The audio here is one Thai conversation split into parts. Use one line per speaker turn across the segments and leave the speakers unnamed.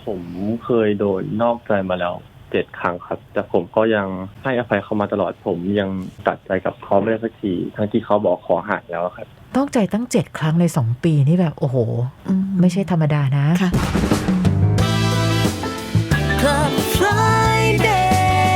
ผมเคยโดนนอกใจมาแล้ว7 ครั้งครับแต่ผมก็ยังให้อภัยเขามาตลอดผมยังตัดใจกับเขาไม่ได้สักทีทั้งที่เขาบอกขอห่างแล้วครับ
นอกใจตั้ง7 ครั้งใน2 ปีนี่แบบโอ้โหไม่ใช่ธรรมดานะ
ค่ะ Club Friday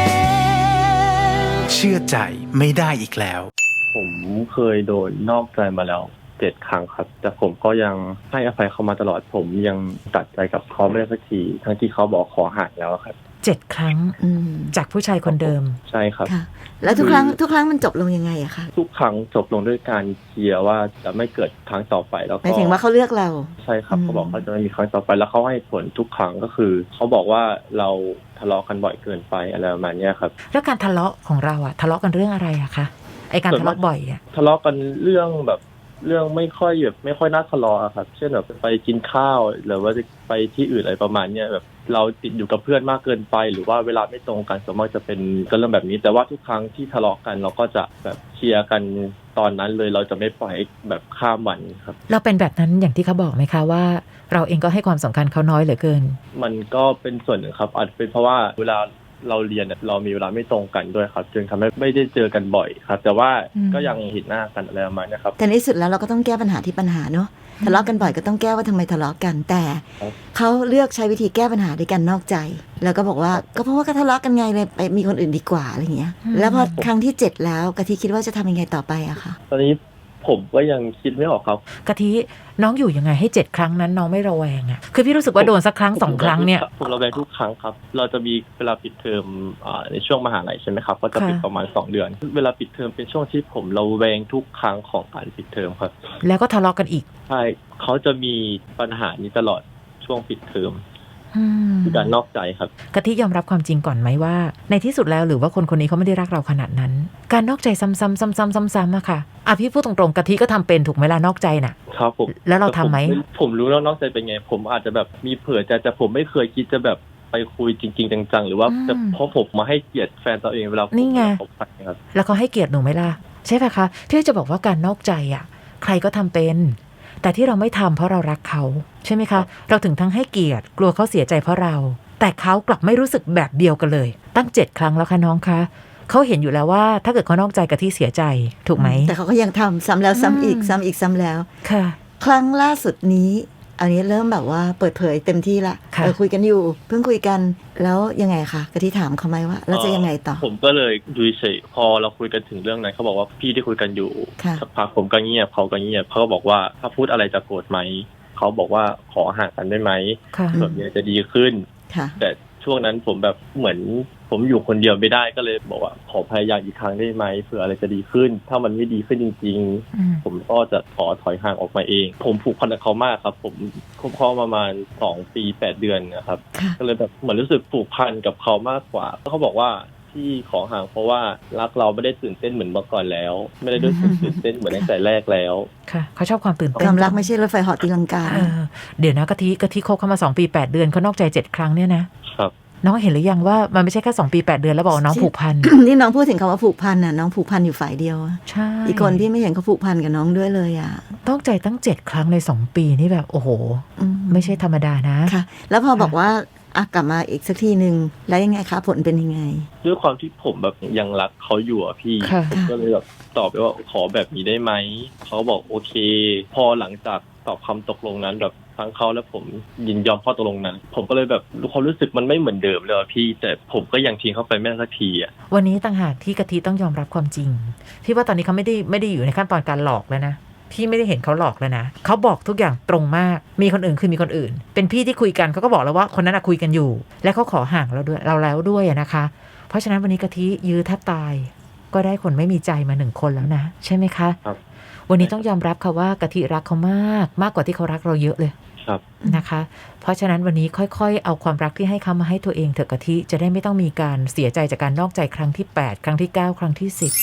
เชื่อใจไม่ได้อีกแล้ว
ผมเคยโดนนอกใจมาแล้ว7 ครั้งครับแต่ผมก็ยังให้อภัยเขามาตลอดผมยังตัดใจกับเขาไม่ได้สักทีทั้งที่เขาบอกขอห่างแล้วครับ
7 ครั้งจากผู้ชายคนเดิม
ใช่ครับ
ค่ะแล้วทุกครั้งมันจบลงยังไงอะคะ
ทุกครั้งจบลงด้วยการเคลียร์ว่าจะไม่เกิดครั้งต่อไปแล้วก็
หมายถึงว่าเขาเลือกเรา
ใช่ครับเขาบอกเขาจะไม่มีครั้งต่อไปแล้วเขาให้ผลทุกครั้งก็คือเขาบอกว่าเราทะเลาะกันบ่อยเกินไปอะไรประมาณนี้ครับ
แล้วการทะเลาะของเราอะทะเลาะกันเรื่องอะไรอะคะไอการทะเลาะบ่อยอะ
ทะเลาะกันเรื่องไม่ค่อยน่าทะเลาะครับเช่นแบบไปกินข้าวหรือว่าจะไปที่อื่นอะไรประมาณนี้แบบเราติดอยู่กับเพื่อนมากเกินไปหรือว่าเวลาไม่ตรงกันส่วนมากจะเป็นเรื่องแบบนี้แต่ว่าทุกครั้งที่ทะเลาะกันเราก็จะแบบเคลียร์กันตอนนั้นเลยเราจะไม่ปล่อยแบบข้ามวันครับ
เราเป็นแบบนั้นอย่างที่เขาบอกไหมคะว่าเราเองก็ให้ความสำคัญเขาน้อยเหลือเกิน
มันก็เป็นส่วนหนึ่งครับอาจเป็นเพราะว่าเวลาเราเรียนเรามีเวลาไม่ตรงกันด้วยครับจึงทำให้ไม่ได้เจอกันบ่อยครับแต่ว่าก็ยังเห็นหน้ากันอะไรประมาณนี้ครับ
แต่ในสุดแล้วเราก็ต้องแก้ปัญหาที่ปัญหาเนาะทะเลาะกันบ่อยก็ต้องแก้ว่าทำไมทะเลาะกันแต่เขาเลือกใช้วิธีแก้ปัญหาด้วยกันนอกใจแล้วก็บอกว่าก็เพราะว่าก็ทะเลาะกันไงเลยไปมีคนอื่นดีกว่าอะไรอย่างเงี้ยแล้วพอครั้งที่7แล้วกะทิคิดว่าจะทำยังไงต่อไปอะคะ
ตอนนี้ผมก็ยังคิดไม่ออกครับ
กะทิน้องอยู่ยังไงให้7 ครั้งนั้นน้องไม่ระแวงอ่ะคือพี่รู้สึกว่าโดนสักครั้ง2 ครั้งเนี่ย
ผมระแวงทุกครั้งครับเราจะมีเวลาปิดเทอมในช่วงมหาลัยใช่ไหมครับก็จะปิดประมาณ2 เดือนเวลาปิดเทอมเป็นช่วงที่ผมระแวงทุกครั้งของการปิดเทอมครับ
แล้วก็ทะเลาะกันอีก
ใช่เขาจะมีปัญหานี้ตลอดช่วงปิดเทอมคือการนอกใจครับ
กะทิยอมรับความจริงก่อนไหมว่าในที่สุดแล้วหรือว่าคนนี้เขาไม่ได้รักเราขนาดนั้นการนอกใจซ้ำๆอะค่ะพี่พูดตรงๆกะทิก็ทำเป็นถูกไหมล่ะนอกใจน่ะ
ครับผม
แล้วเราทำไหม
ผมรู้แล้วนอกใจเป็นไงผมอาจจะแบบมีเผื่อจะผมไม่เคยคิดจะแบบไปคุยจริงๆจังๆหรือว่าจะเพราะผมมาให้เกียรติแฟนตัวเองเวลา
นี่ไง
ครับ
แล้วเขาให้เกียรติหนูไหมล่ะใช่ป่ะคะที่จะบอกว่าการนอกใจอ่ะใครก็ทำเป็นแต่ที่เราไม่ทำเพราะเรารักเขาใช่ไหมคะเราถึงทั้งให้เกียรติกลัวเขาเสียใจเพราะเราแต่เขากลับไม่รู้สึกแบบเดียวกันเลยตั้ง7 ครั้งแล้วค่ะน้องคะเขาเห็นอยู่แล้วว่าถ้าเกิดเขานอกใจกับที่เสียใจถูกไหม
แต่เขาก็ยังทำซ้ำแล้วซ้ำอีกซ้ำอีกซ้ำแล้ว
ค่ะ
ครั้งล่าสุดนี้อันนี้เริ่มแบบว่าเปิดเผยเต็มที่ละคุยกันอยู่เพิ่งคุยกันแล้วยังไงคะกะทิถามเขาไหมว่าแล้วจะยังไงต่อ
ผมก็เลยดูเฉยพอเราคุยกันถึงเรื่องนั้นเขาบอกว่าพี่ที่คุยกันอยู่สักพักผมก็เงียบเขาก็เงียบเขาก็บอกว่าถ้าพูดอะไรจะโกรธไหมเขาบอกว่าขอห่างกันได้ไหมแบบนี้จะดีขึ้นแต่ช่วงนั้นผมแบบเหมือนผมอยู่คนเดียวไม่ได้ก็เลยบอกว่าขอพยายามอีกครั้งได้ไหมเผื่ออะไรจะดีขึ้นถ้ามันไม่ดีขึ้นจริงๆผมก็จะขอถอยห่างออกมาเองผมผูกพันกับเขามากครับผมคบเขาประมาณ2 ปี 8 เดือนนะครับก็เลยแบบเหมือนรู้สึกผูกพันกับเขามากกว่าเขาบอกว่าที่ขอห่างเพราะว่ารักเราไม่ได้ตื่นเต้นเหมือนเมื่อก่อนแล้วไม่ได้ด้วยตื่นเต้นเหมือนตั้งแต่แรกแล้ว
ค่ะเขาชอบความตื่นเต้น
ความรักไม่ใช่รถไฟเหาะตีลังกา
เดี๋ยวนะกะทิคบเข้ามา2 ปี 8 เดือนเขานอกใจ7 ครั้งเนี่ยนะครับน้องเห็นหรือยังว่ามันไม่ใช่แค่2 ปี 8 เดือนแล้วบอกน้องผูกพัน
นี่น้องพูดถึงคำว่าผูกพันน่ะน้องผูกพันอยู่ฝ่ายเดียว
ใช่
อีกคนพี่ไม่เห็นเขาผูกพันกับน้องด้วยเลยอ่ะ
นอกใจตั้ง7 ครั้งใน2 ปีนี่แบบโอ้โหไม่ใช่ธรรมดานะ
ค่ะแล้วพอบอกว่ากลับมาอีกสักทีนึงแล้วยังไงคะผลเป็นยังไง
ด้วยความที่ผมแบบยังรักเขาอยู่อ่ะพี่ผมก็เลยแบบตอบไปว่าขอแบบนี้ได้ไหมเขาบอกโอเคพอหลังจากตอบคำตกลงนั้นแบบทั้งเขาและผมยินยอมข้อตกลงนั้นผมก็เลยแบบความรู้สึกมันไม่เหมือนเดิมเลยพี่แต่ผมก็ยังทิ้งเขาไปไม่ได้สักทีอ่ะ
วันนี้ต่างหากที่กะทิต้องยอมรับความจริงพี่ว่าตอนนี้เขาไม่ได้อยู่ในขั้นตอนการหลอกแล้วนะพี่ไม่ได้เห็นเขาหลอกแล้วนะเขาบอกทุกอย่างตรงมากมีคนอื่นคือมีคนอื่นเป็นพี่ที่คุยกันเขาก็บอกแล้วว่าคนนั้นคุยกันอยู่และเขาขอห่างเราด้วยเราแล้วด้วยนะคะเพราะฉะนั้นวันนี้กะทิยื้อแทบตายก็ได้คนไม่มีใจมา1 คนแล้วนะใช่ไหมคะ
ครับ
วันนี้ต้องยอมรับค่ะว่ากะทิรักเขามากกว่าที่เขารักเราเยอะเลย
ครับ
นะคะเพราะฉะนั้นวันนี้ค่อยๆเอาความรักที่ให้เขามาให้ตัวเองเถอะกะทิจะได้ไม่ต้องมีการเสียใจจากการนอกใจครั้งที่8 ครั้งที่9 ครั้งที่10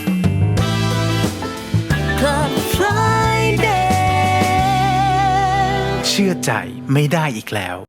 Club Friday
เชื่อใจไม่ได้อีกแล้ว